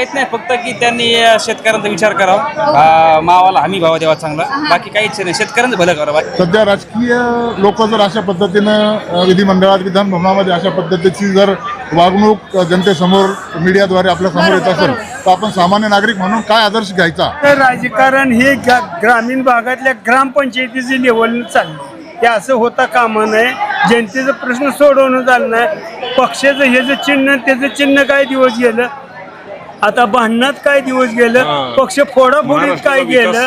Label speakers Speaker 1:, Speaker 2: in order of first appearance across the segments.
Speaker 1: काहीच नाही, फक्त की त्यांनी शेतकऱ्यांचा विचार करावा, मावाला हमी भाव द्यावा चांगला, बाकी काहीच नाही, शेतकऱ्यांचं भलं करावं.
Speaker 2: सध्या राजकीय लोक जर अशा पद्धतीनं विधिमंडळात विधानभवनामध्ये अशा पद्धतीची जर वागणूक जनतेसमोर मीडियाद्वारे आपल्या समोर येत असेल तर आपण सामान्य नागरिक म्हणून काय आदर्श घ्यायचा?
Speaker 3: तर राजकारण हे ग्रामीण भागातल्या ग्रामपंचायतीचे लेवल चाललं, हे असं होता कामा नये. जनतेचा प्रश्न सोडवणं झालं नाही. पक्षाचं हे जे चिन्ह त्याचं चिन्ह काय दिवस गेलं, आता भांडणात काय दिवस गेलं, पक्ष फोडाफोडीत काय गेलं,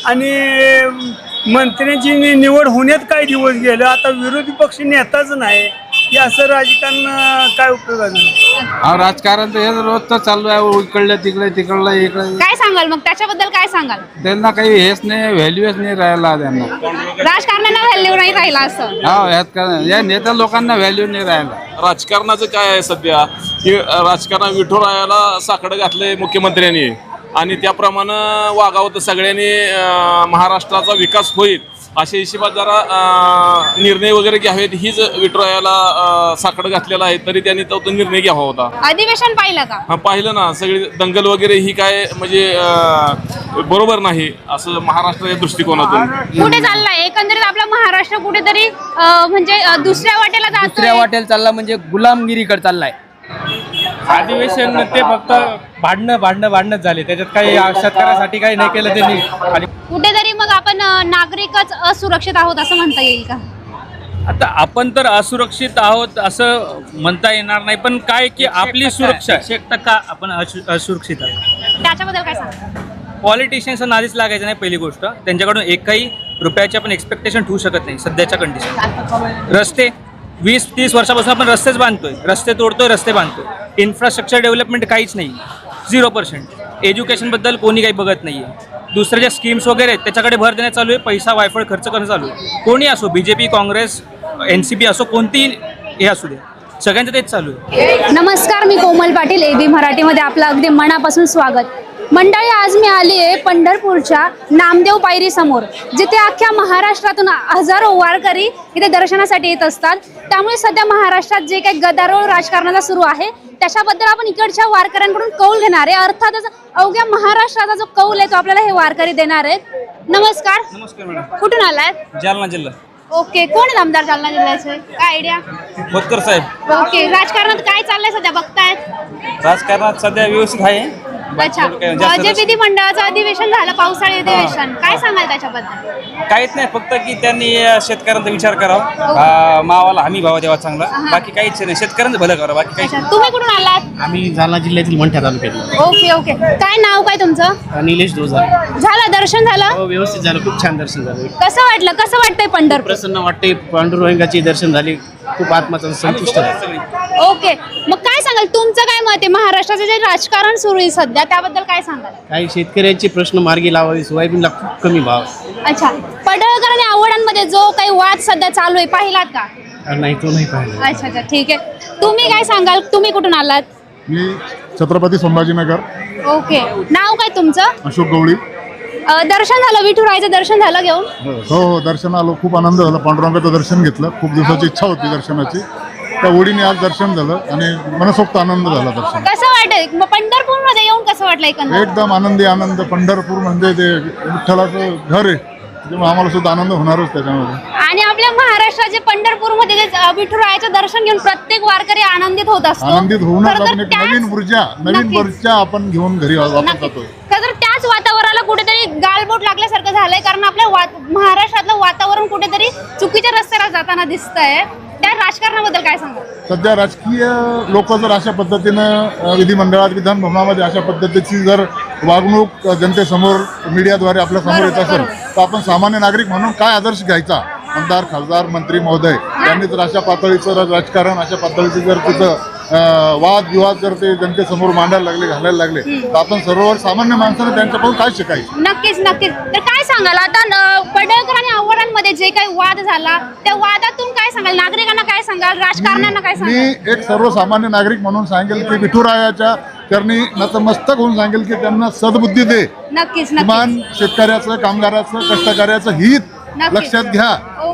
Speaker 3: आणि मंत्र्यांची निवड होण्यात काय दिवस गेलं. आता विरोधी पक्ष नेताच नाही, हे असं राजकारण काय उपयोगाचं नाही.
Speaker 4: राजकारण तर हे रोजच चालू आहे, इकडलं तिकडलं इकडं.
Speaker 5: काय सांगाल मग त्याच्याबद्दल? काय सांगाल?
Speaker 4: त्यांना काही हेच नाही, व्हॅल्यूच नाही राहिला त्यांना.
Speaker 5: राजकारणाला व्हॅल्यू नाही राहिला असं?
Speaker 4: या नेत्या लोकांना व्हॅल्यू नाही राहिला.
Speaker 6: राजकारणाचं काय आहे सध्या की राजकारण विठुरायाला साकडं घातलंय मुख्यमंत्र्यांनी, आणि त्याप्रमाणे वागावं तर सगळ्यांनी महाराष्ट्राचा विकास होईल अशा हिशोबात जरा निर्णय वगैरे घ्यावेत. हीच विठुरायाला साकडं घातलेला आहे, तरी त्यांनी तो निर्णय घ्यावा होता.
Speaker 5: अधिवेशन पाहिलं का?
Speaker 6: हा, पाहिलं ना. सगळी दंगल वगैरे ही काय म्हणजे बरोबर नाही असं महाराष्ट्राच्या दृष्टिकोनातून.
Speaker 5: कुठे चाललाय एकंदरीत आपला महाराष्ट्र? कुठेतरी म्हणजे दुसऱ्या वाटेला जातोय.
Speaker 7: चालला म्हणजे गुलामगिरीकडे चाललाय.
Speaker 1: अधिवेशन ते फक्त भांडणच झाले, त्याच्यात काही शेतकऱ्यासाठी काही नाही केलं त्यांनी. आणि
Speaker 5: कुठेतरी मग आपण नागरिकच असुरक्षित आहोत असं म्हणता येईल का?
Speaker 1: आता आपण तर असुरक्षित आहोत असं म्हणता येणार नाही, पण काय की आपली सुरक्षा 1% आपण असुरक्षित आहोत.
Speaker 5: त्याच्याबद्दल काय सांगा?
Speaker 1: पॉलिटिशियन्सचं नादीच लागायचं नाही. पहिली गोष्ट, त्यांच्याकडून एकही रुपयाची आपण एक्सपेक्टेशन ठेवू शकत नाही सध्याच्या कंडिशन. रस्ते 20-30 वर्षापासून आपण रस्तेच बांधतोय, रस्ते तोडतोय, रस्ते बांधतोय. इन्फ्रास्ट्रक्चर डेव्हलपमेंट काहीच नाही, 0%. एज्युकेशनबद्दल कोणी काही बघत नाही आहे. दुसऱ्या ज्या स्कीम्स वगैरे आहेत त्याच्याकडे भर देण्यात चालू आहे, पैसा वायफळ खर्च करणं चालू आहे. कोणी असो, BJP, काँग्रेस, NCP असो, कोणतीही हे असू दे, सगळ्यांचं तेच चालू आहे.
Speaker 5: नमस्कार, मी कोमल पाटील, AB मराठीमध्ये आपलं अगदी मनापासून स्वागत. मंडळी, आज मी आली आहे पंढरपूरच्या नामदेव पायरी समोर, जिथे अख्ख्या महाराष्ट्रातून हजारो वारकरी इथे दर्शनासाठी येत असतात. त्यामुळे सध्या महाराष्ट्रात जे काही गदारोळ राजकारणाचा सुरू आहे त्याच्याबद्दल आपण इकडच्या वारकऱ्यांकडून कौल घेणार आहे. अर्थातच अवघ्या महाराष्ट्राचा जो कौल आहे तो आपल्याला हे वारकरी देणार आहेत. नमस्कार.
Speaker 1: नमस्कार मॅडम.
Speaker 5: कुठून आलाय?
Speaker 1: जालना जिल्हा.
Speaker 5: ओके. कोण आहेत आमदार जालना जिल्ह्याचे? काय आयडिया?
Speaker 1: खोतकर साहेब.
Speaker 5: ओके. राजकारणात काय चाललंय सध्या बघतायत?
Speaker 1: राजकारणात सध्या व्यवस्थित आहे.
Speaker 5: अच्छा. जे विधिमंडळाचं अधिवेशन झालं, पावसाळी अधिवेशन, काय सांगाल त्याच्याबद्दल?
Speaker 1: काहीच नाही, फक्त की त्यांनी शेतकऱ्यांचा विचार करावा, मावाला हमी भाव द्यावा चांगला, बाकी काहीच नाही, शेतकऱ्यांचं भलं करावं, बाकी काहीच नाही.
Speaker 5: तुम्ही कुठून आलात?
Speaker 7: आम्ही जालना जिल्ह्यातील मंठ्या तालुक्यात.
Speaker 5: Okay okay. काय नाव काय तुमचं?
Speaker 7: निलेश डोजा.
Speaker 5: झालं दर्शन झालं?
Speaker 7: व्यवस्थित झालं, खूप छान दर्शन झालं.
Speaker 5: कसं वाटलं? कसं वाटतंय पंढरपूर?
Speaker 7: प्रसन्न वाटते. पांडुरंगाचे दर्शन झाले, खूप आत्माचं संतुष्ट झालं.
Speaker 5: ओके. मग काय सांगाल, तुमचं काय मत आहे? महाराष्ट्राचं जे राजकारण सुरू आहे सध्या त्याबद्दल काय सांगाल?
Speaker 7: काही शेतकऱ्यांचे प्रश्न मार्गी लावावे. सोयाबीनला खूप कमी भाव.
Speaker 5: अच्छा. पडळकर आणि आवडांमध्ये जो काही वाद सध्या चालू आहे पाहिलात का?
Speaker 7: नाही, तो नाही पाहिला.
Speaker 5: अच्छा अच्छा, ठीक आहे. तुम्ही काय सांगाल? तुम्ही कुठून आलात?
Speaker 2: मी छत्रपती संभाजीनगर.
Speaker 5: ओके. नाव काय तुमचं?
Speaker 2: अशोक गवळी.
Speaker 5: दर्शन झालं? विठुरायाचं दर्शन झालं घेऊन?
Speaker 2: हो, दर्शन आलो. खूप आनंद झाला. पांडुरंगाचं दर्शन घेतलं. खूप दिवसाची इच्छा होती दर्शनाची. त्या ओढीने आज दर्शन झालं आणि मनसोक्त आनंद झाला दर्शन.
Speaker 5: कसं वाटतं मग पंढरपूर मध्ये येऊन? कसं वाटलं एकंदर?
Speaker 2: एकदम आनंदी आनंद. पंढरपूर म्हणजे ते विठ्ठलाचं घर आहे, त्यामुळे आम्हाला सुद्धा आनंद होणारच त्याच्यामध्ये.
Speaker 5: आणि आपल्या महाराष्ट्राचे पंढरपूरमध्ये जे विठुरायाचं दर्शन घेऊन प्रत्येक वारकरी आनंदित होत असतो.
Speaker 2: आनंदित होऊनच
Speaker 5: खरं तर
Speaker 2: आपण एक
Speaker 5: त्याच-
Speaker 2: नवीन ऊर्जा आपण घेऊन घरी वापस जातो.
Speaker 5: खरं तर त्याच वातावरणाला कुठेतरी गालबोट लागल्यासारखं झालंय, कारण आपल्या महाराष्ट्रातलं वातावरण कुठेतरी चुकीच्या रस्त्याला जाताना दिसतंय. त्या राजकारणाबद्दल काय सांगा?
Speaker 2: सध्या राजकीय लोक जर अशा पद्धतीनं विधिमंडळात विधानभवनामध्ये अशा पद्धतीची जर वागणूक जनतेसमोर मीडियाद्वारे आपल्या समोर येत असेल तर आपण सामान्य नागरिक म्हणून काय आदर्श घ्यायचा? आमदार, खासदार, मंत्री महोदय यांनी जर अशा पातळीचं राजकारण, अशा पातळीचं जर तिथं वादविवाद जर ते जनतेसमोर मांडायला लागले, घालायला लागले तर आपण सर्व सामान्य माणसाने त्यांच्याकडून काय शिकायचं?
Speaker 5: नक्कीच नक्कीच. तर काय सांगाल आता पडळकर आणि आवडांमध्ये जे काही वाद झाला त्या वादातून काय सांगाल? नागरिकांना काय सांगाल? राजकारण्यांना काय सांगाल?
Speaker 2: मी एक सर्वसामान्य नागरिक म्हणून सांगेल की विठुरायाच्या चरणी नतमस्तक होऊन सांगेल की त्यांना सद्बुद्धी दे.
Speaker 5: नक्कीच
Speaker 2: किमान शेतकऱ्याचं, कामगाराचं, कष्टकऱ्याचं हित लक्षात घ्या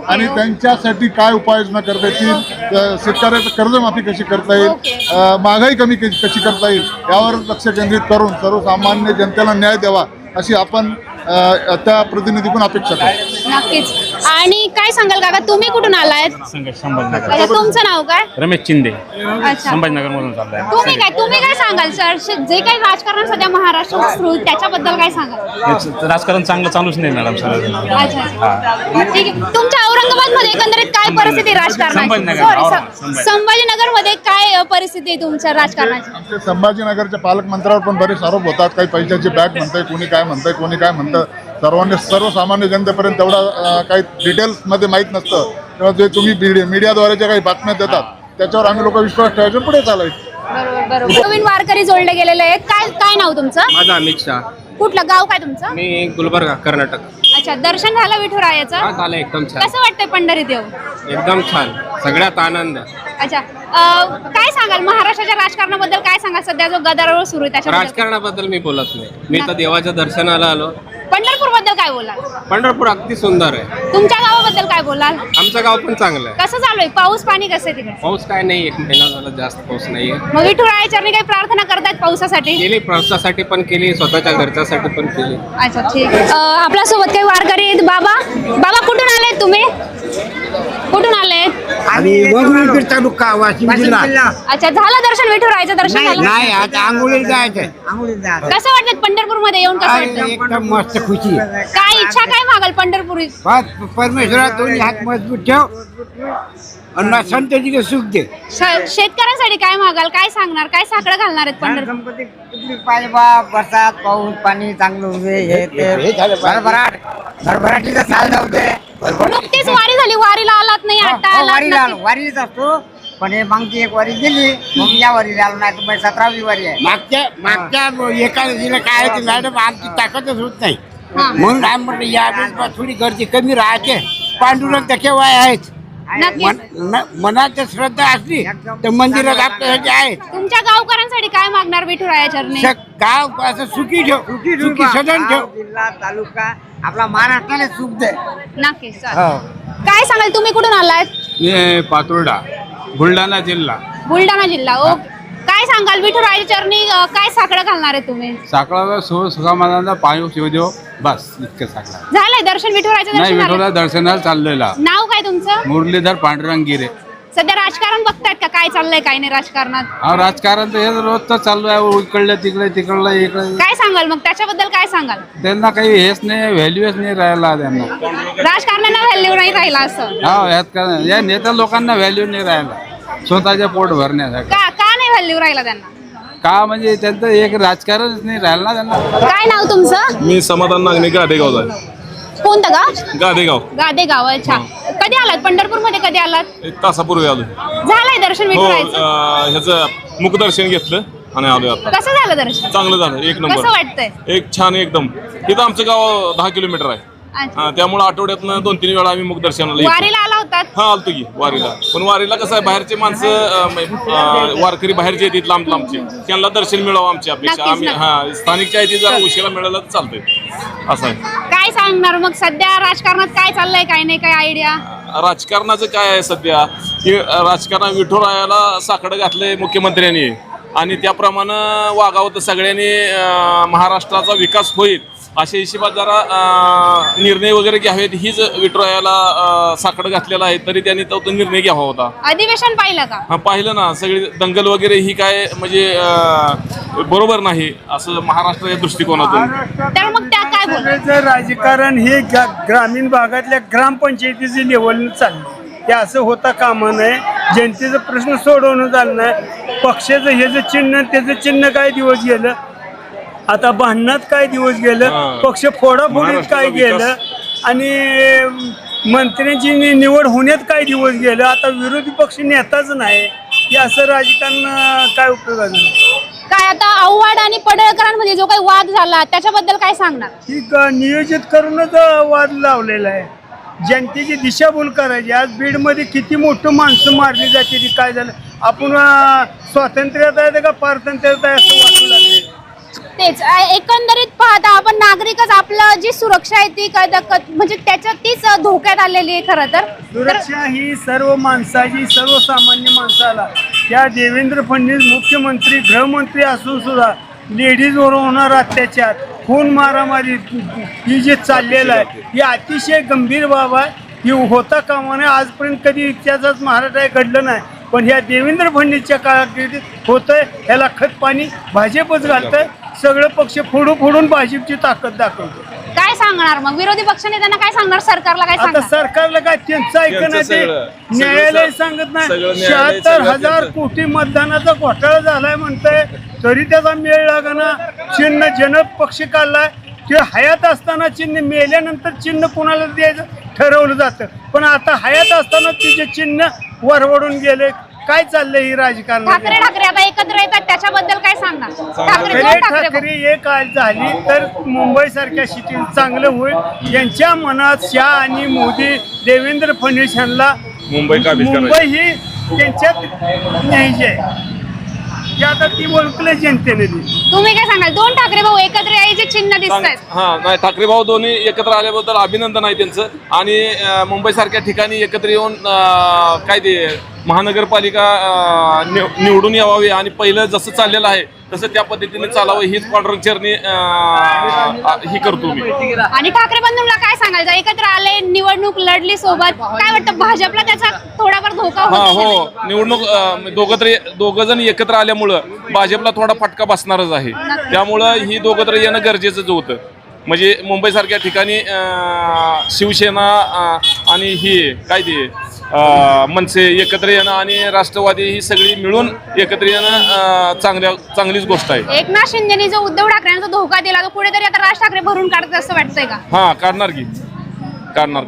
Speaker 2: आणि त्यांच्यासाठी काय उपाययोजना करता येतील, शेतकऱ्याचं कर्जमाफी कशी करता येईल, महागाई कमी कशी करता येईल यावर लक्ष केंद्रित करून सर्वसामान्य जनतेला न्याय द्यावा अशी आपण त्या प्रतिनिधीकडून अपेक्षा करतो.
Speaker 5: नक्कीच. आणि काय सांगाल काका, तुम्ही कुठून आलायत?
Speaker 8: संभाजीनगर.
Speaker 5: अच्छा, तुमचं नाव काय?
Speaker 8: रमेश चिंदे,
Speaker 5: अच्छा,
Speaker 8: संभाजीनगर मधून चाललाय.
Speaker 5: तुम्ही काय सांगाल सर, जे काही राजकारण सध्या महाराष्ट्रात सुरू आहे, त्याच्याबद्दल काय सांगाल?
Speaker 8: राजकारण चांगलं चालूच नाही मॅडम सर.
Speaker 5: अच्छा, ठीक आहे. तुमच्या औरंगाबाद मध्ये एकंदरीत काय परिस्थिती आहे राजकारणाची?
Speaker 8: संभाजीनगर.
Speaker 5: संभाजीनगर मध्ये काय परिस्थिती आहे तुमच्या राजकारणाची?
Speaker 2: आमच्या संभाजीनगरच्या पालकमंत्र्यावर पण बरेच आरोप होतात. काही पैशाची बॅग म्हणताय, कोणी काय म्हणताय, कोणी काय म्हणतं. सर्वसामान्य जनतेपर्यंत तेवढा काही डिटेल्समध्ये माहीत नसतं. तेव्हा जे तुम्ही मीडियाद्वारे ज्या काही बातम्या देतात त्याच्यावर आम्ही लोक विश्वास ठेवायचे, पुढे चालायचं.
Speaker 5: बरोबर. नवीन वारकरी जोडले गेलेले आहेत. काय नाव तुमचं?
Speaker 7: माझा अमित शाह.
Speaker 5: कुठलं गाव काय तुमचं?
Speaker 7: मी गुलबर्गा, कर्नाटक.
Speaker 5: अच्छा, दर्शन झालं विठुरायाचं?
Speaker 7: झालं एकदम छान,
Speaker 5: कसं वाटतंय पंढरीत येऊन?
Speaker 7: एकदम छान, सगळ्यात आनंद.
Speaker 5: अच्छा, काय सांगाल महाराष्ट्राच्या राजकारणाबद्दल? काय सांगाल सध्या जो गदारोळ सुरू आहे त्याच्याबद्दल?
Speaker 7: राजकारणाबद्दल मी बोलत नाही, मी तर देवाच्या दर्शनाला आलो.
Speaker 5: पंढरपूर बद्दल काय बोलाल?
Speaker 7: पंढरपूर अगदी सुंदर आहे.
Speaker 5: तुमच्या गावाबद्दल काय बोलाल?
Speaker 7: आमचं गाव पण चांगलं आहे.
Speaker 5: कसं चालू आहे? पाऊस पाणी कसं आहे तिकडे?
Speaker 7: पाऊस काय नाही, 1 महिना झाला, जास्त पाऊस नाहीये.
Speaker 5: मग विठुरायाच्या चरणी काही प्रार्थना करतात पावसासाठी?
Speaker 7: केली, प्रवासासाठी पण केली, स्वतःच्या घरच्यासाठी पण केली.
Speaker 5: अच्छा, ठीक आहे. आपल्यासोबत काही वारकरी आहेत. बाबा कुठून आलेत तुम्ही? कुठून आलेत?
Speaker 9: आणि तालुका वाशिम जिल्हा.
Speaker 5: अच्छा, झालं दर्शन? विठुरायाचं दर्शन झालं?
Speaker 9: नाही, आता आंघोळीला जायचंय.
Speaker 5: कसं वाटतं पंढरपूर मध्ये येऊन? कसं वाटतं?
Speaker 9: एकदम मस्त खुशी.
Speaker 5: काय इच्छा काय मागाल पंढरपुरी?
Speaker 9: परमेश्वरा दोन्ही हात मजबूत ठेव आणि संततीला सुख दे.
Speaker 5: शेतकऱ्यांसाठी काय मागाल? काय सांगणार? काय साकडं घालणार आहेत पंढरपूर?
Speaker 9: पाहिजे बा, बरसात पाऊस पाणी चांगलं होते, हे ते भरभराटीचा साल जाऊ दे.
Speaker 5: नुकतीच वारी झाली, वारीला आलात नाही? आता
Speaker 9: वारीला
Speaker 5: आलात?
Speaker 9: आलो, वारीच असतो. पण हे मागची एक वारी गेली, मग या वारीला आलो. नाही तर 17वी वारी आहे. मागच्या एकादशीला काय होती मॅडम, आमची ताकदच होत नाही. म्हणून आम्ही म्हटलं यावेळेस थोडी गर्दी कमी राहते. पांडुरंग तर केव्हा आहेत, मनात श्रद्धा असली तर मंदिरात आपल्यासाठी आहेत.
Speaker 5: तुमच्या गावकऱ्यांसाठी काय मागणार विठुराया चरणी?
Speaker 9: गाव असं सुखी ठेव, सुखी सदन ठेव. जिल्हा तालुका आपला महाराष्ट्राला सुख दे.
Speaker 5: नक्कीच. काय सांगाल, तुम्ही कुठून आलात?
Speaker 4: मी पातुर्डा, बुलढाणा जिल्हा.
Speaker 5: बुलढाणा जिल्हा. ओ, काय सांगाल विठुरायाच्या चरणी काय साकडं घालणार आहे तुम्ही?
Speaker 4: साखळाला सुखामानाचा पाणी शिव देव, बस इतकं साखळा.
Speaker 5: झालंय दर्शन? विठुरायाचं
Speaker 4: नाही,
Speaker 5: दर्शन
Speaker 4: विठोला
Speaker 5: झालं?
Speaker 4: दर्शनाला चाललेला.
Speaker 5: नाव काय तुमचं?
Speaker 4: मुरलीधर पांडुरंग गिरे.
Speaker 5: सध्या राजकारण बघतायत का? काय चाललंय काय नाही राजकारणात?
Speaker 4: हा, राजकारण तर हे रोजच चालू आहे, इकडलं तिकडलं इकडे.
Speaker 5: काय सांगाल मग त्याच्याबद्दल? काय सांगाल?
Speaker 4: त्यांना काही हेच नाही, व्हॅल्यूच नाही राहिला त्यांना.
Speaker 5: राजकारणाला व्हॅल्यू नाही राहिला असं?
Speaker 4: हा, या नेत्या लोकांना व्हॅल्यू नाही राहिला स्वतःच्या पोट भरण्यासाठी.
Speaker 5: का नाही व्हॅल्यू राहिला त्यांना?
Speaker 4: का म्हणजे त्यांचं एक राजकारणच नाही राहिलं ना त्यांना.
Speaker 5: काय नाव तुमचं?
Speaker 6: मी समाधान नागणे, गादेगावचा आहे.
Speaker 5: कोणतं गाव?
Speaker 6: गादेगाव.
Speaker 5: गादेगाव. अच्छा, कधी आलात पंढरपूर मध्ये? कधी आलात?
Speaker 6: 1 तासापूर्वी आलो.
Speaker 5: झालंय दर्शन
Speaker 6: हो,
Speaker 5: विठुरायाचं?
Speaker 6: ह्याचं मुखदर्शन घेतलं आणि आलोय आता.
Speaker 5: कसं झालं दर्शन?
Speaker 6: चांगलं झालं, एक
Speaker 5: कसं
Speaker 6: नंबर.
Speaker 5: वाटतंय?
Speaker 6: एक छान एकदम. इथं आमचं गाव 10 किलोमीटर आहे.
Speaker 5: अच्छा.
Speaker 6: त्यामुळे आठवड्यातनं 2-3 वेळा आम्ही मुखदर्शनाला येतो.
Speaker 5: वारीला आला होतात?
Speaker 6: हा, आलतो की वारीला. पण वारीला कसं आहे, बाहेरचे माणसं वारकरी बाहेरचे येतात लांब लांबचे, त्यांना दर्शन मिळावं आमची अपेक्षा.
Speaker 5: नक्कीच,
Speaker 6: आम्ही
Speaker 5: नक्कीच.
Speaker 6: स्थानिकच्या आहे जरा उशिरा मिळालं तर चालतंय, असं आहे.
Speaker 5: काय सांगणार मग सध्या राजकारणात काय चाललंय काय नाही? काय आयडिया?
Speaker 6: राजकारणाचं काय आहे सध्या, की राजकारण विठुरायाला साकडं घातलंय मुख्यमंत्र्यांनी आणि त्याप्रमाणे वागावं तर सगळ्यांनी महाराष्ट्राचा विकास होईल अशा हिशोबात जरा निर्णय वगैरे घ्यावेत. हीच विठुरायाला साकडं घातलेला आहे, तरी त्यांनी तो निर्णय घ्यावा होता.
Speaker 5: अधिवेशन पाहिलं का?
Speaker 6: हा, पाहिलं ना. सगळी दंगल वगैरे ही काय म्हणजे बरोबर नाही असं महाराष्ट्राच्या दृष्टिकोनातून.
Speaker 5: तर मग त्या काय बोल?
Speaker 3: महाराष्ट्राचं राजकारण हे ग्रामीण भागातल्या ग्रामपंचायतीचे लेवल चाललं. हे असं होता कामा नये. जनतेचा प्रश्न सोडवणं झालं नाही. पक्षाचं हे जे चिन्ह त्याचं चिन्ह काय दिवस गेलं, आता भांडणात काय दिवस गेलं, पक्ष फोडाफोडीत काय गेलं, आणि मंत्र्यांची निवड होण्यात काय दिवस गेलं. आता विरोधी पक्ष नेताच नाही. हे असं राजकारण काय उपयोगाचं?
Speaker 5: काय आता आव्हाड आणि पडळकरांमध्ये जो काही वाद झाला त्याच्याबद्दल काय सांगणार?
Speaker 3: ही नियोजित करूनच वाद लावलेला आहे. जनतेची दिशाभूल करायची. आज बीडमध्ये किती मोठं माणसं मारली जाते. ती काय झालं, आपण स्वातंत्र्यात आहे का पारतंत्र्यात आहे असं वाटू लागले.
Speaker 5: ते तेच एकंदरीत पाहता आपण नागरिकच आपलं जी सुरक्षा आहे ती म्हणजे त्याच्यात तीच धोक्यात आलेली आहे खरं तर.
Speaker 3: सुरक्षा ही सर्व माणसाची, सर्वसामान्य माणसाला, त्या देवेंद्र फडणवीस मुख्यमंत्री गृहमंत्री असून सुद्धा लेडीजवर होणार अत्याचार, खून मारामारी ही जे चाललेलं आहे ही अतिशय गंभीर बाब आहे. ही होता कामा नये. आजपर्यंत कधी इतिहासात महाराष्ट्रात घडलं नाही, पण ह्या देवेंद्र फडणवीसच्या काळात होतंय. ह्याला खत पाणी भाजपच घालतंय. सगळं पक्ष फोडून भाजपची ताकद दाखवतो.
Speaker 5: काय सांगणार मग विरोधी पक्षनेत्यांना काय सांगणार, सरकारला काय
Speaker 3: आता
Speaker 5: सांगणार?
Speaker 3: सरकारला काय त्यांचं ऐकणं ते न्यायालय सांगत नाही. 76,000 कोटी मतदानाचा घोटाळा झालाय म्हणतंय, तरी त्याचा मेळ लागना. चिन्ह जनक पक्ष काढलाय, ते हयात असताना चिन्ह, मेल्यानंतर चिन्ह कोणाला द्यायचं ठरवलं जातं. पण आता हयात असताना तिचे चिन्ह वरवडून गेले. काय चाललंय ही राजकारण?
Speaker 5: ठाकरे आता एकत्र येतात, त्याच्याबद्दल काय सांगणार?
Speaker 3: ठाकरे एक आज झाली तर मुंबई सारख्या सिटीत चांगलं होईल. यांच्या मनात शाह आणि मोदी, देवेंद्र फडणवीस यांना मुंबई ही त्यांच्यात न्यायची आहे. की आता ती ओळखले जनतेने.
Speaker 5: तुम्ही काय सांगाल? दोन ठाकरे भाऊ एकत्र यायचे चिन्ह दिसत आहेत.
Speaker 6: हा नाही, ठाकरे भाऊ दोन्ही एकत्र आल्याबद्दल अभिनंदन आहे त्यांचं. आणि मुंबई सारख्या ठिकाणी एकत्र येऊन काय ते महानगरपालिका निवडून यावी आणि पहिलं जसं चाललेलं आहे तसं त्या पद्धतीने चालावं हीच कॉन्ट्रॅक्चरनी ही करतो मी.
Speaker 5: आणि ठाकरे बंधूंना काय सांगायचं? एकत्र आले, निवडणूक लढली सोबत, काय वाटतं भाजपला त्याचा थोडाफार धोका
Speaker 6: हो, निवडणूक दोघं जण एकत्र आल्यामुळं भाजपला थोडा फटका बसणारच आहे. त्यामुळं ही दोघं तर येणं गरजेचंच होतं. म्हणजे मुंबई सारख्या ठिकाणी शिवसेना आणि ही काय ते मनसे एकत्र येणं आणि राष्ट्रवादी ही सगळी मिळून एकत्र येणं चांगलीच गोष्ट आहे.
Speaker 5: एकनाथ शिंदेनी जो उद्धव ठाकरेंचा धोका दिला तो कुठेतरी आता राज ठाकरे भरून काढतात असं वाटतंय का?
Speaker 6: हा, काढणार काढणार.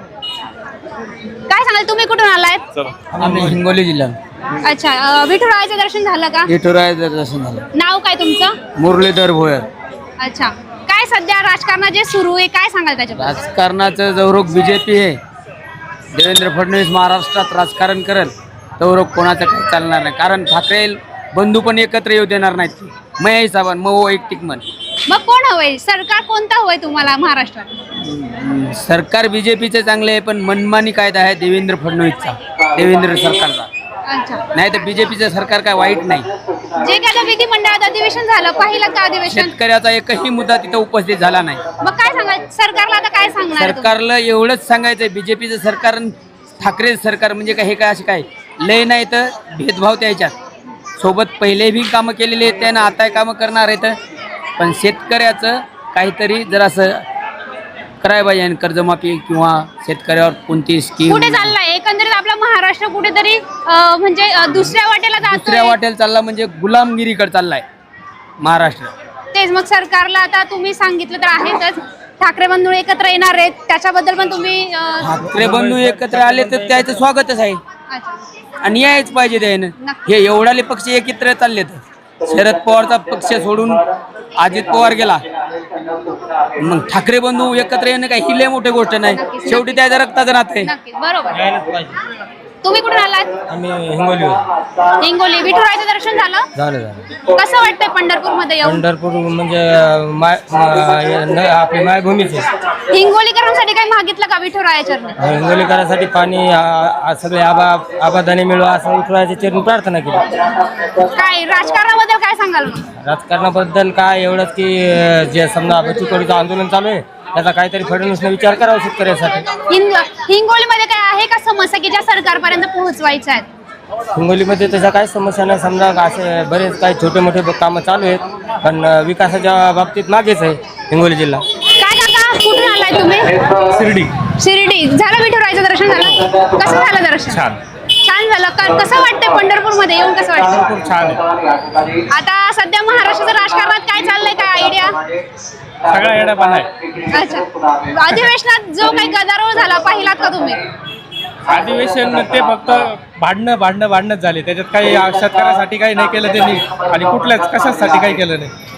Speaker 5: काय सांगाल? तुम्ही कुठून आलायत?
Speaker 7: आम्ही हिंगोली जिल्हा.
Speaker 5: अच्छा, विठुरायाचं दर्शन झालं का?
Speaker 7: विठुरायाचं दर्शन झालं.
Speaker 5: नाव काय तुमचं?
Speaker 7: मुरलीधर भोयर.
Speaker 5: अच्छा, काय सध्या राजकारणात जे सुरू आहे काय सांगाल त्याच्याबद्दल?
Speaker 7: राजकारणाचं जवरोग बीजेपी आहे. देवेंद्र फडणवीस महाराष्ट्रात राजकारण करेल तवरोग कोणाचं काही चालणार नाही. कारण ठाकरे बंधू पण एकत्र येऊ देणार नाहीत. मग हिसाबान मग वैयक्तिक मन.
Speaker 5: मग कोण हवंय? सरकार कोणतं हवंय तुम्हाला महाराष्ट्रात?
Speaker 7: सरकार बीजेपीचं चांगले आहे, पण मनमानी कायदा आहे देवेंद्र फडणवीसचा, देवेंद्र सरकारचा.
Speaker 5: अच्छा,
Speaker 7: नाही तर बीजेपीचं सरकार काय वाईट नाही.
Speaker 5: जे काय विधिमंडळात अधिवेशन झालं, पहिलं का अधिवेशन,
Speaker 7: शेतकऱ्याचा एकही मुद्दा तिथं उपस्थित झाला नाही.
Speaker 5: मग काय सांगाल सरकारला? आता काय सांगणार तुम्ही?
Speaker 7: सरकारला एवढंच सांगायचंय, बीजेपीचं सरकार ठाकरे सरकार म्हणजे काय हे काय असे काय लय नाही तर भेदभाव त्याच्यात सोबत पहिले बी कामं केलेली आहेत त्यानं आता कामं करणार आहेत. पण शेतकऱ्याचं काहीतरी जरासं करायला पाहिजे आणि कर्जमाफी किंवा शेतकऱ्यावर कोणती स्कीम.
Speaker 5: कुठे चाललाय एकंदरीत आपला महाराष्ट्र? कुठेतरी म्हणजे दुसऱ्या वाटेला
Speaker 7: दुसऱ्या
Speaker 5: जातोय.
Speaker 7: वाटेला चालला म्हणजे गुलामगिरीकडे चाललाय महाराष्ट्र.
Speaker 5: तेच मग सरकारला आता तुम्ही सांगितलं तर आहेतच, ठाकरे बंधू एकत्र येणार आहेत, त्याच्याबद्दल पण तुम्ही
Speaker 7: ठाकरे बंधू एकत्र आले तर त्याचं स्वागतच आहे
Speaker 5: अच्छा.
Speaker 7: आणि यायच पाहिजे त्यानं. हे एवढाले पक्ष एकत्र चाललेत. शरद पवारचा पक्ष सोडून अजित पवार गेला, मग ठाकरे बंधू एकत्र येणं काही ही लय मोठी गोष्ट नाही. शेवटी त्याच्या रक्ताचं नातं आहे.
Speaker 5: नक्कीच, बरोबर. तुम्ही कुठून आलात?
Speaker 7: आम्ही हिंगोली.
Speaker 5: हिंगोली. विठुरायाचं दर्शन झालं?
Speaker 7: झालं.
Speaker 5: कसं वाटतंय पंढरपूर मध्ये येऊन?
Speaker 7: पंढरपूर म्हणजे आपली मायभूमीच आहे.
Speaker 5: हिंगोलीकरांसाठी काही मागितलं का विठुरायाच्या चरणी?
Speaker 7: हिंगोलीकरांसाठी पाणी सगळे आबादाने मिळवा असं विठुरायाच्या चरणी प्रार्थना केली.
Speaker 5: काय राजकारणाबद्दल काय सांगाल मग?
Speaker 7: राजकारणाबद्दल काय एवढंच की जे समजा बचतवाडीचं आंदोलन चालू आहे त्याचा काहीतरी फडणवीसने विचार करावा शेतकऱ्यासाठी.
Speaker 5: हिंगोलीमध्ये काय आहे का समस्या की ज्या सरकारपर्यंत पोहोचवायच्या आहेत?
Speaker 7: हिंगोलीमध्ये त्याच्या काही समस्या नाही. समजा असे बरेच काही छोटे मोठे कामं चालू आहेत, पण विकासाच्या बाबतीत मागेच आहे हिंगोली जिल्हा.
Speaker 5: काय काका कुठून आलाय तुम्ही? शिर्डी. झालं विठुरायाचं दर्शन झालं? कसं झालं दर्शन? छान झालं. कसं वाटतंय पंढरपूर मध्ये येऊन? कसं वाटतं?
Speaker 8: खूप छान आहे.
Speaker 5: आता सध्या महाराष्ट्राच्या राजकारणात काय चाललंय, काय आयडिया?
Speaker 8: सगळा येडापान आहे.
Speaker 5: अच्छा, अधिवेशनात जो काही गदारोळ झाला पाहिलात का तुम्ही?
Speaker 8: अधिवेशन ते फक्त भांडणच झाले. त्याच्यात काही शेतकऱ्यासाठी काही नाही केलं त्यांनी आणि कुठल्याच कशासाठी काही केलं नाही.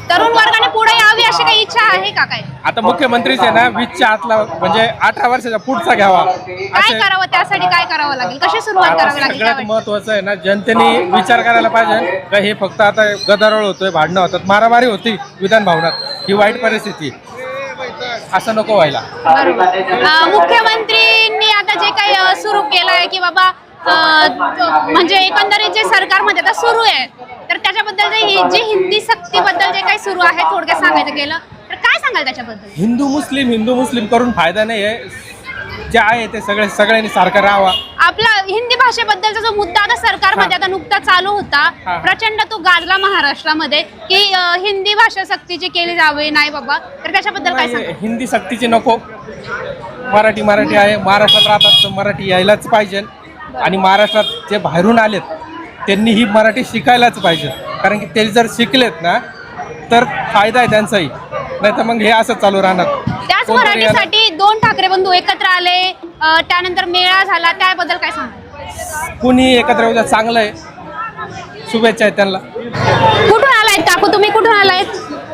Speaker 5: तरुण वर्गाने पुढे यावी अशी काही इच्छा आहे का काय?
Speaker 8: आता मुख्यमंत्रीच आहे ना 20च्या आतला म्हणजे 18 वर्षाचा पुढचा घ्यावा.
Speaker 5: काय करावं त्यासाठी, काय करावं लागेल, कशी सुरुवात करावी लागेल?
Speaker 8: सगळ्यात
Speaker 5: काय वाटतं?
Speaker 8: महत्वाचं आहे ना, जनतेने विचार करायला पाहिजे का हे फक्त आता गदारोळ होतोय, भांडणं होतात, मारामारी होती विधान भवनात, ही वाईट परिस्थिती, असं नको व्हायला.
Speaker 5: बरोबर. मुख्यमंत्रींनी आता जे काही सुरू केलंय की बाबा म्हणजे एकंदरीत जे सरकारमध्ये आता सुरू आहे, तर त्याच्याबद्दल जे हिंदी सक्तीबद्दल जे काही सुरू आहे, थोडक्यात सांगायचं गेलं तर काय सांगाल त्याच्याबद्दल?
Speaker 8: हिंदू मुस्लिम करून फायदा नाही आहे. जे आहे ते सगळ्यांनी सारखं राहावा.
Speaker 5: आपला हिंदी भाषेबद्दलचा जो मुद्दा आता सरकारमध्ये आता नुकताच चालू होता, प्रचंड तो गाजला महाराष्ट्रामध्ये की हिंदी भाषा सक्तीची केली जावे, नाही बाबा, तर त्याच्याबद्दल काय सांगाल?
Speaker 8: हिंदी सक्तीची नको, मराठी आहे, महाराष्ट्रात राहतात तर मराठी यायलाच पाहिजे. आणि महाराष्ट्रात जे बाहेरून आलेत त्यांनी ही मराठी शिकायलाच पाहिजे, कारण की ते जर शिकलेत ना तर फायदा आहे त्यांचाही, नाही तर मग हे असं चालू राहणार.
Speaker 5: त्याच मराठीसाठी 2 ठाकरे बंधू एकत्र आले, त्यानंतर मेळा झाला, त्याबद्दल काय सांगाल?
Speaker 8: कुणी एकत्र येऊ द्या, चांगलं आहे, शुभेच्छा आहेत त्यांना.
Speaker 5: कुठून आलायत काकू, तुम्ही कुठून आलायत?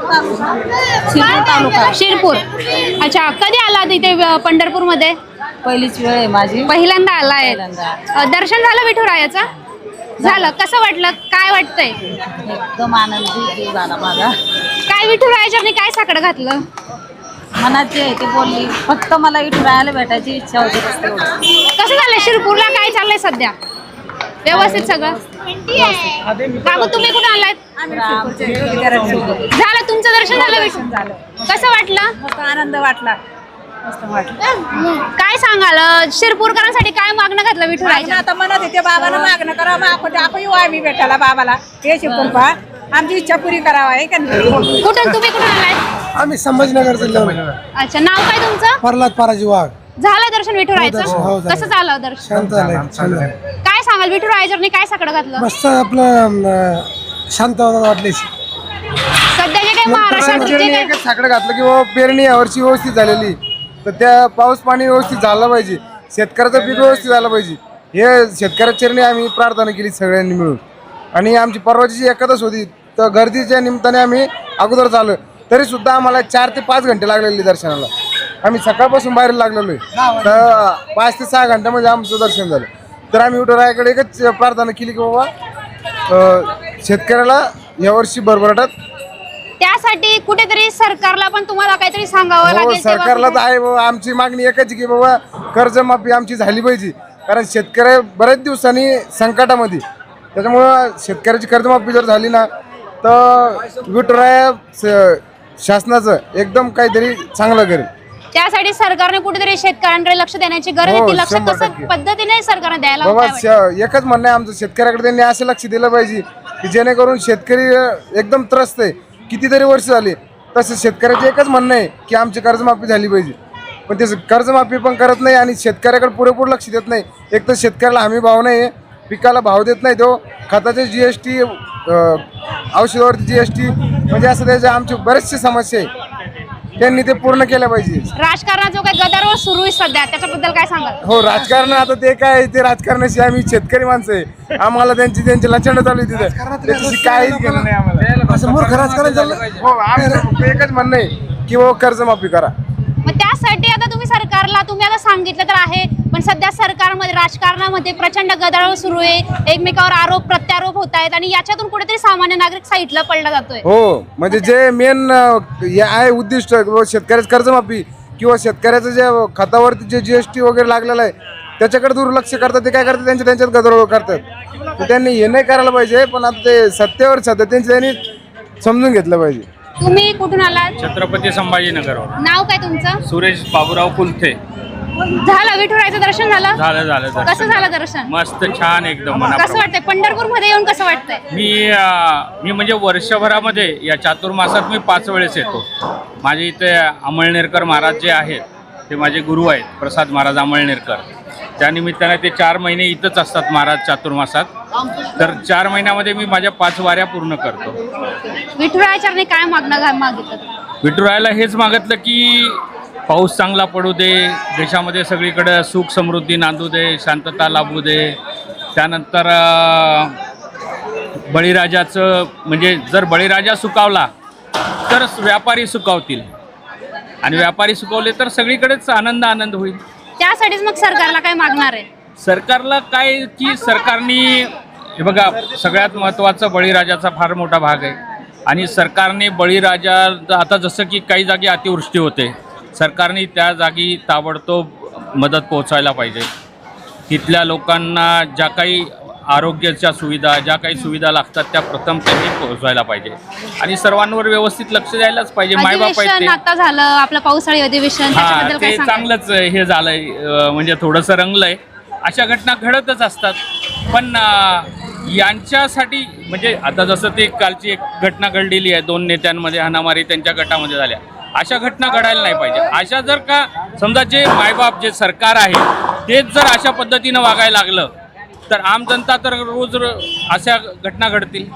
Speaker 5: शिरपूर. अच्छा, कधी आलात इथे पंढरपूरमध्ये?
Speaker 10: पहिलीच वेळ आहे माझी.
Speaker 5: पहिल्यांदा आलाय. दर्शन झालं विठुरायाचं? झालं. कसं वाटलं, काय वाटतंय?
Speaker 10: एकदम आनंदी झाला माझा.
Speaker 5: काय विठुरायाच्या काय साकडं घातलं?
Speaker 10: मनाची आहे ती बोलली, फक्त मला विठुरायाला भेटायची इच्छा होती.
Speaker 5: कसं झालंय शिरपूरला, काय चाललंय सध्या? व्यवस्थित सगळं? काकू तुम्ही कुठं आलात? झालं तुमचं दर्शन झालं विठुरायाचं? कसं वाटलं?
Speaker 10: आनंद वाटला, मस्त वाटलं.
Speaker 5: काय सांगाल शिरपूरकरांसाठी, काय मागणं घातलं विठुरायाच्या?
Speaker 10: आता म्हणत होते बाबाला मागणं करावं, आपण येऊ आम्ही भेटायला बाबाला, हे शिकून पहा, आमची इच्छा पुरी करावा आहे का नाही?
Speaker 5: कुठून, तुम्ही कुठून आलाय?
Speaker 11: आम्ही संभाजीनगर जिल्ह्यावर.
Speaker 5: अच्छा, नाव काय तुमचं?
Speaker 11: प्रल्हाद पाराजी वाघ.
Speaker 5: झालं दर्शन विठुरायाचं?
Speaker 11: हो, झालं.
Speaker 5: कसं झालं दर्शन?
Speaker 11: शांत झालंय, छान झालंय.
Speaker 5: काय सांगाल विठुरायाच्या काय साकडं घातलं?
Speaker 11: मस्त आपलं शांत वाटले.
Speaker 5: सध्या जे काही महाराष्ट्रात जे काही
Speaker 11: एकच साकडं घातलं की बाबा पेरणी यावर्षी व्यवस्थित झालेली, तर त्या पाऊस पाणी व्यवस्थित झालं पाहिजे, शेतकऱ्याचं पीक व्यवस्थित झालं पाहिजे, हे शेतकऱ्याच्या चरणी आम्ही प्रार्थना केली सगळ्यांनी मिळून. आणि आमची परवाची जी एकादश होती तर गर्दीच्या निमित्ताने आम्ही अगोदर चालू, तरी सुद्धा आम्हाला 4 ते 5 घंटे लागलेले दर्शनाला. आम्ही सकाळपासून बाहेर लागलेलो आहे, तर 5 ते 6 घंट्यामध्ये आमचं दर्शन झालं. तर आम्ही विठुरायाकडे एकच प्रार्थना केली की बाबा शेतकऱ्याला यावर्षी भरभराटात.
Speaker 5: त्यासाठी कुठेतरी सरकारला पण तुम्हाला काहीतरी सांगावं
Speaker 11: हो,
Speaker 5: लागेल.
Speaker 11: सरकारला तर आहे बाबा, आमची मागणी एकच आहे की बाबा कर्जमाफी आमची झाली पाहिजे, कारण शेतकरी बऱ्याच दिवसांनी संकटामध्ये, त्याच्यामुळं शेतकऱ्याची कर्जमाफी जर झाली ना तर विठुराया शासनाचं एकदम काहीतरी चांगलं करेल.
Speaker 5: त्यासाठी सरकारने कुठेतरी शेतकऱ्यांकडे लक्ष देण्याची गरज आहे.
Speaker 11: हो,
Speaker 5: ती लक्ष
Speaker 11: 100%
Speaker 5: कसं पद्धतीने सरकारने द्यायला
Speaker 11: बाबा
Speaker 5: हवं, काय वाटतं?
Speaker 11: एकच म्हणणं आहे आमचं, शेतकऱ्याकडे त्यांनी असं लक्ष दिलं पाहिजे की जेणेकरून शेतकरी एकदम त्रस्त आहे. कितीतरी वर्ष झाली तसं शेतकऱ्याचं एकच म्हणणं आहे की आमची कर्जमाफी झाली पाहिजे, पण ते कर्जमाफी पण करत नाही आणि शेतकऱ्याकडे पुरेपूर लक्ष देत नाही. एक तर शेतकऱ्याला हमी भाव नाही, पिकाला भाव देत नाही, तो खताचे GST, औषधावरती GST, म्हणजे असं त्याच्या आमची बरेचसे समस्या आहे, त्यांनी ते पूर्ण केल्या पाहिजे.
Speaker 5: राजकारणात जो काही गदारोळ सुरू आहे सध्या, त्याच्याबद्दल काय सांगाल?
Speaker 11: हो, राजकारण आता ते काय, ते राजकारणाशी आम्ही शेतकरी माणसं आहे, आम्हाला त्यांची लचंड चालू आहे तिथे, त्याच्याशी काहीच घेणं नाही आम्हाला.
Speaker 2: असं मूर्ख राजकारण चाललं.
Speaker 11: हो, आमचं फक्त एकच म्हणणं आहे की बाबा कर्जमाफी करा.
Speaker 5: मग त्यासाठी आता तुम्ही सरकारला, तुम्ही आता सांगितलं तर आहे, पण सध्या सरकारमध्ये राजकारणामध्ये प्रचंड गदारोळ सुरू आहे, एकमेकावर आरोप प्रत्यारोप होत आहेत आणि याच्यातून कुठेतरी सामान्य नागरिक साईडला पडला जातोय.
Speaker 11: हो, म्हणजे जे मेन आहे उद्दिष्ट शेतकऱ्याचं कर्जमाफी किंवा शेतकऱ्याचं जे खतावरती जे GST वगैरे लागलेलं आहे त्याच्याकडे दुर्लक्ष करतात. ते काय करतात, त्यांच्यात गदारोळ करतात. तर त्यांनी हे नाही करायला पाहिजे, पण आता ते सत्तेवर त्यांनी समजून घेतलं पाहिजे.
Speaker 5: तुम्ही कुठून आलात?
Speaker 1: छत्रपती संभाजीनगरवर.
Speaker 5: नाव काय तुमचं?
Speaker 1: सुरेश बाबूराव कुलथे.
Speaker 5: झालं विठुरायाचं दर्शन झालं?
Speaker 1: झालं दर्शन.
Speaker 5: कसं झालं दर्शन?
Speaker 1: मस्त, छान, एकदम.
Speaker 5: कसं वाटतंय पंढरपूर मध्ये येऊन, कसं वाटतंय?
Speaker 1: मी म्हणजे वर्षभरामध्ये या चातुर्मासात मी 5 वेळेस येतो. माझे इथे अमळनेरकर महाराज जे आहेत ते माझे गुरु आहेत, प्रसाद महाराज अमळनेरकर. त्यानिमित्ताने ते 4 महिने इथंच असतात महाराज चातुर्मासात. तर 4 महिन्यामध्ये मी माझ्या 5 वाऱ्या पूर्ण करतो.
Speaker 5: विठुरायाच्या काय मागितलं?
Speaker 1: विठुरायाला हेच मागितलं की पाऊस चांगला पडू दे, देशामध्ये सगळीकडे सुख समृद्धी नांदू दे, शांतता लाभू दे. त्यानंतर बळीराजाचं, म्हणजे जर बळीराजा सुकावला तर व्यापारी सुकावतील आणि व्यापारी सुकवले तर सगळीकडेच आनंद होईल.
Speaker 5: त्यासाठीच मग सरकारला काय मागणार आहे?
Speaker 1: सरकारला काय की सरकारने हे बघा, सगळ्यात महत्त्वाचं बळीराजाचा फार मोठा भाग आहे आणि सरकारने बळीराजा आता जसं की काही जागी अतिवृष्टी होते, सरकारने त्या जागी ताबडतोब मदत पोहोचायला पाहिजे. तिथल्या लोकांना ज्या काही आरोग्याच्या सुविधा, ज्या काही सुविधा लागतात त्या प्रथम त्यांनी पोहोचवायला पाहिजे आणि सर्वांवर व्यवस्थित लक्ष द्यायलाच पाहिजे. मायबाप आहेत
Speaker 5: अधिवेशन
Speaker 1: ते.
Speaker 5: आता झालं आपलं पावसाळी अधिवेशन, त्याच्याबद्दल काय
Speaker 1: ते
Speaker 5: सांगाल?
Speaker 1: चांगलंच हे झालंय, म्हणजे थोडंसं रंगलंय. अशा घटना घडतच असतात, पण यांच्यासाठी म्हणजे आता जसं ते कालची एक घटना घडलेली आहे, 2 नेत्यांमध्ये हाणामारी त्यांच्या गटामध्ये झाल्या, अशा घटना घडायला नाही पाहिजे. अशा जर का समजा जे मायबाप जे सरकार आहे तेच जर अशा पद्धतीनं वागायला लागलं तर आम जनता तर रोज अशा घटना घडतील.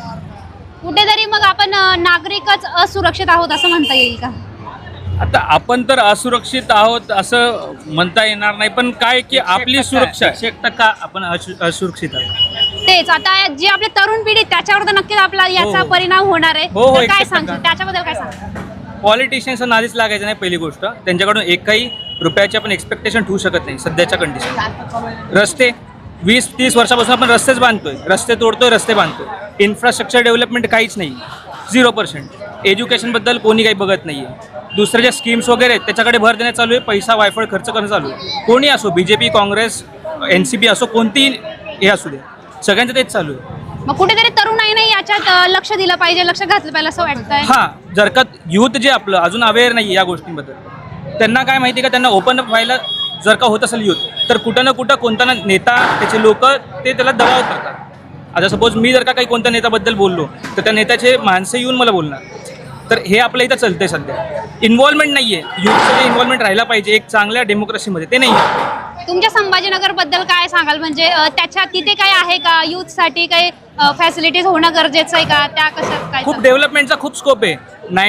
Speaker 5: कुठेतरी मग आपण नागरिकच असुरक्षित आहोत असं म्हणता येईल का?
Speaker 1: आता आपण तर असुरक्षित आहोत असं म्हणता येणार नाही, पण काय की आपली सुरक्षा 100% आपण असुरक्षित आहोत.
Speaker 5: तेच आता जे आपले तरुण पिढी त्याच्यावर तर नक्कीच आपला याचा परिणाम होणार आहे.
Speaker 1: हो,
Speaker 5: तर काय
Speaker 1: 100%.
Speaker 5: सांगतो त्याच्याबद्दल काय सांगतो?
Speaker 1: पॉलिटिशियन्सना नादीच लागायचं नाही. पहिली गोष्ट, त्यांच्याकडून एकही रुपयाची आपण एक्सपेक्टेशन ठेवू शकत नाही सध्याच्या कंडिशन. रस्ते 20-30 वर्षापासून आपण रस्तेच बांधतोय, रस्ते तोडतोय, रस्ते बांधतोय. इन्फ्रास्ट्रक्चर डेव्हलपमेंट काहीच नाही, 0%. एज्युकेशनबद्दल कोणी काही बघत नाही आहे. दुसरे ज्या स्कीम्स वगैरे आहेत त्याच्याकडे भर देण्यात चालू आहे, पैसा वायफळ खर्च करणं चालू आहे. कोणी असो, BJP, काँग्रेस, NCP असो, कोणतीही हे असू दे, सगळ्यांचं तेच चालू आहे.
Speaker 5: मग कुठेतरी तरुणाईने याच्यात लक्ष दिलं पाहिजे, लक्ष घातलं पाहिजे असं वाटतंय.
Speaker 1: हां, जर का युथ जे आपलं अजून अवेअर नाही या गोष्टींबद्दल, त्यांना काय माहिती का, त्यांना ओपन अप व्हायला जर का होत असेल युथ, तर कुठं ना कुठं कोणता ना नेता, त्याचे लोक ते त्याला दबाव करतात. आता सपोज मी जर का काही कोणत्या नेत्याबद्दल बोललो तर त्या नेत्याचे माणसं येऊन मला बोलणार. तर हे आपल्या इथं चालतंय सध्या. इन्व्हॉल्वमेंट नाही आहे, युथचं जे इन्व्हॉल्वमेंट राहायला पाहिजे एक चांगल्या डेमोक्रेसीमध्ये, ते नाही आहे.
Speaker 5: तुमच्या संभाजीनगर बद्दल काय सांगाल? म्हणजे त्याच्या तिथे काय आहे का युथसाठी काही फॅसिलिटीज होणं गरजेचं आहे का? त्या कसं काय?
Speaker 1: खूप डेव्हलपमेंटचा खूप स्कोप आहे.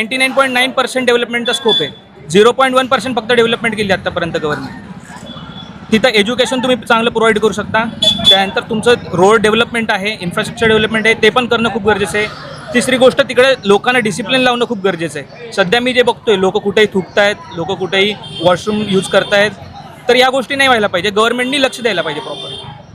Speaker 1: 99.9% डेव्हलपमेंटचा स्कोप आहे. 0.1% फक्त डेव्हलपमेंट केली आतापर्यंत गव्हर्नमेंट. तिथं एज्युकेशन तुम्ही चांगलं प्रोव्हाइड करू शकता. त्यानंतर तुमचं रोड डेव्हलपमेंट आहे, इन्फ्रास्ट्रक्चर डेव्हलपमेंट आहे, ते पण करणं खूप गरजेचं आहे. तिसरी गोष्ट, तिकडे लोकांना डिसिप्लिन लावणं खूप गरजेचं आहे. सध्या मी जे बघतोय, लोक कुठेही थुकतायत, लोक कुठेही वॉशरूम यूज करतायत, तर या गोष्टी नाही व्हायला पाहिजे. गव्हर्नमेंटनी लक्ष द्यायला पाहिजे प्रॉपर.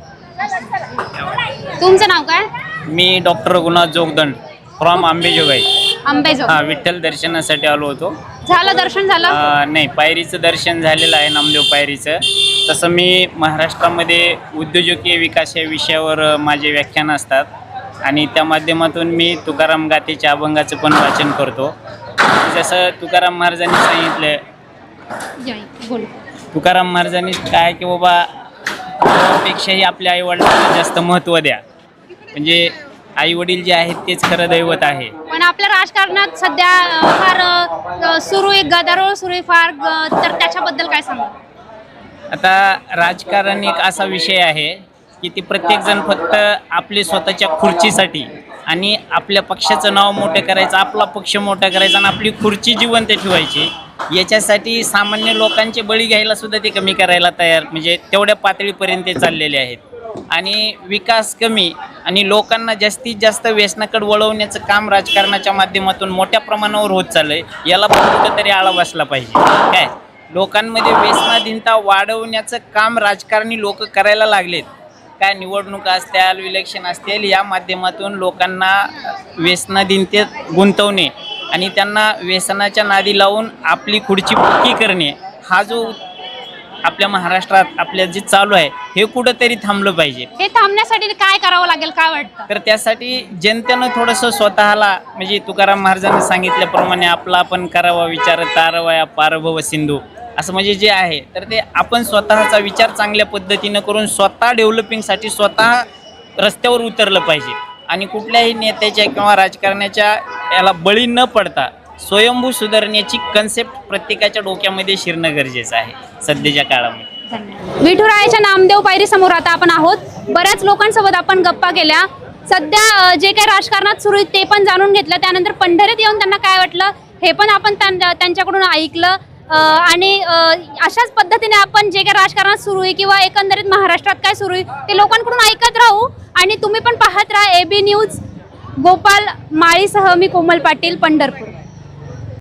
Speaker 5: तुमचं नाव काय?
Speaker 12: मी डॉक्टर रघुनाथ जोगदंड फ्रॉम आंबेजोगाई.
Speaker 5: आंबेजोगाई.
Speaker 12: हां, विठ्ठल दर्शनासाठी आलो होतो.
Speaker 5: झालं दर्शन झालं?
Speaker 12: नाही, पायरीचं दर्शन झालेलं आहे, नामदेव पायरीचं. तसं मी महाराष्ट्रामध्ये उद्योजकीय विकास या विषयावर माझे व्याख्यान असतात आणि त्या माध्यमातून मी तुकाराम गाथेच्या अभंगाचं पण वाचन करतो. जसं तुकाराम महाराजांनी सांगितलं, तुकाराम महाराजांनी काय की बाबा, पेक्षाही आपल्या आईवडिलांना जास्त महत्त्व द्या. म्हणजे आईवडील जे आहेत तेच खरं दैवत आहे.
Speaker 5: पण आपल्या राजकारणात सध्या फार सुरू आहे, गदारोळ सुरू आहे फार, तर त्याच्याबद्दल काय सांगा?
Speaker 12: आता राजकारण एक असा विषय आहे की ते प्रत्येकजण फक्त आपली स्वतःच्या खुर्चीसाठी आणि आपल्या पक्षाचं नाव मोठं करायचं, आपला पक्ष मोठा करायचा आणि आपली खुर्ची जिवंत ठेवायची, याच्यासाठी सामान्य लोकांचे बळी घ्यायला सुद्धा ते कमी करायला तयार, म्हणजे तेवढ्या पातळीपर्यंत ते चाललेले आहेत. आणि विकास कमी आणि लोकांना जास्तीत जास्त व्यसनाकडे वळवण्याचं काम राजकारणाच्या माध्यमातून मोठ्या प्रमाणावर होत चाललं आहे. याला पण कुठंतरी आळा बसला पाहिजे. काय लोकांमध्ये व्यसनाधीनता वाढवण्याचं काम राजकारणी लोक करायला लागलेत. काय निवडणुका असतील, इलेक्शन असतील, या माध्यमातून लोकांना व्यसनाधीनतेत गुंतवणे आणि त्यांना व्यसनाच्या नादी लावून आपली खुर्ची पक्की करणे, हा जो आपल्या महाराष्ट्रात आपल्या जे चालू आहे हे कुठंतरी थांबलं पाहिजे.
Speaker 5: हे थांबण्यासाठी काय करावं लागेल, काय वाटतं?
Speaker 12: तर त्यासाठी जनतेनं थोडंसं स्वतःला, म्हणजे तुकाराम महाराजांनी सांगितल्याप्रमाणे आपला आपण करावा विचार तारवया पारभव सिंधू, असं म्हणजे जे आहे तर ते आपण स्वतःचा विचार चांगल्या पद्धतीनं करून स्वतः डेव्हलपिंगसाठी स्वतः रस्त्यावर उतरलं पाहिजे आणि कुठल्याही नेत्याच्या किंवा राजकारण्याच्या याला बळी न पडता स्वयंभू सुधारण्याची कन्सेप्ट प्रत्येकाच्या डोक्यामध्ये शिरणं गरजेचं आहे सध्याच्या काळामध्ये.
Speaker 5: विठुरायाच्या नामदेव पायरी समोर आता आपण आहोत. बऱ्याच लोकांसोबत आपण गप्पा केल्या. सध्या जे काही राजकारणात सुरू आहे ते पण जाणून घेतलं. त्यानंतर पंढरीत येऊन त्यांना काय वाटलं हे पण आपण त्यांच्याकडून ऐकलं. आणि अशाच पद्धतीने आपण जे काही राजकारणात सुरू आहे किंवा एकंदरीत महाराष्ट्रात काय सुरू आहे ते लोकांकडून ऐकत राहू. आणि तुम्ही पण पाहत राहा AB न्यूज गोपाल माळीसह मी कोमल पाटील, पंढरपूर.